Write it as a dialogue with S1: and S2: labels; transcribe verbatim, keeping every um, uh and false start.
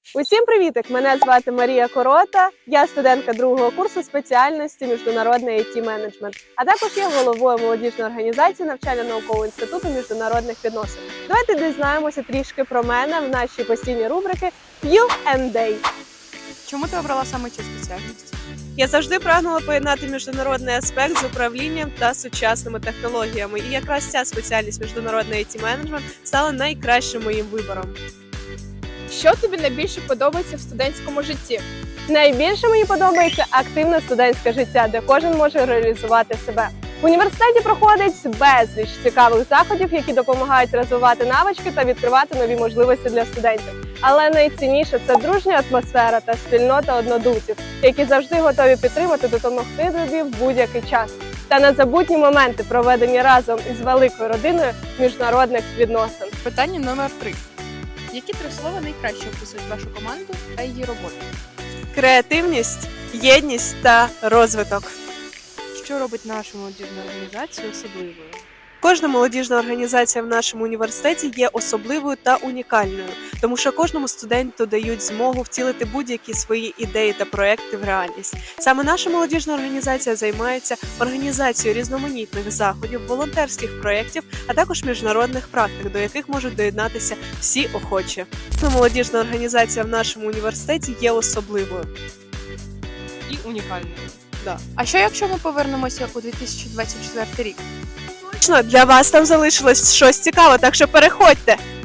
S1: Усім привітик! Мене звати Марія Корота, я студентка другого курсу спеціальності міжнародний ай ті-менеджмент, а також є головою молодіжної організації навчально-наукового інституту міжнародних відносин. Давайте дізнаємося трішки про мене в нашій постійній рубрики к'ю енд ей.
S2: Чому ти обрала саме цю спеціальність?
S1: Я завжди прагнула поєднати міжнародний аспект з управлінням та сучасними технологіями, і якраз ця спеціальність міжнародний ай ті-менеджмент стала найкращим моїм вибором.
S2: Що тобі найбільше подобається в студентському житті?
S1: Найбільше мені подобається активне студентське життя, де кожен може реалізувати себе. В університеті проходить безліч цікавих заходів, які допомагають розвивати навички та відкривати нові можливості для студентів. Але найцінніше – це дружня атмосфера та спільнота однодумців, які завжди готові підтримати, допомогти тобі в будь-який час. Та незабутні моменти, проведені разом із великою родиною міжнародних відносин.
S2: Питання номер три. Які три слова найкраще описують вашу команду та її роботу?
S1: Креативність, єдність та розвиток.
S2: Що робить нашу молодіжну організацію особливою?
S1: Кожна молодіжна організація в нашому університеті є особливою та унікальною, тому що кожному студенту дають змогу втілити будь-які свої ідеї та проекти в реальність. Саме наша молодіжна організація займається організацією різноманітних заходів, волонтерських проєктів, а також міжнародних практик, до яких можуть доєднатися всі охочі. Молодіжна організація в нашому університеті є особливою.
S2: І унікальною.
S1: Да.
S2: А що якщо ми повернемося у дві тисячі двадцять четвертий рік?
S1: Точно, для вас там залишилось щось цікаве, так що переходьте!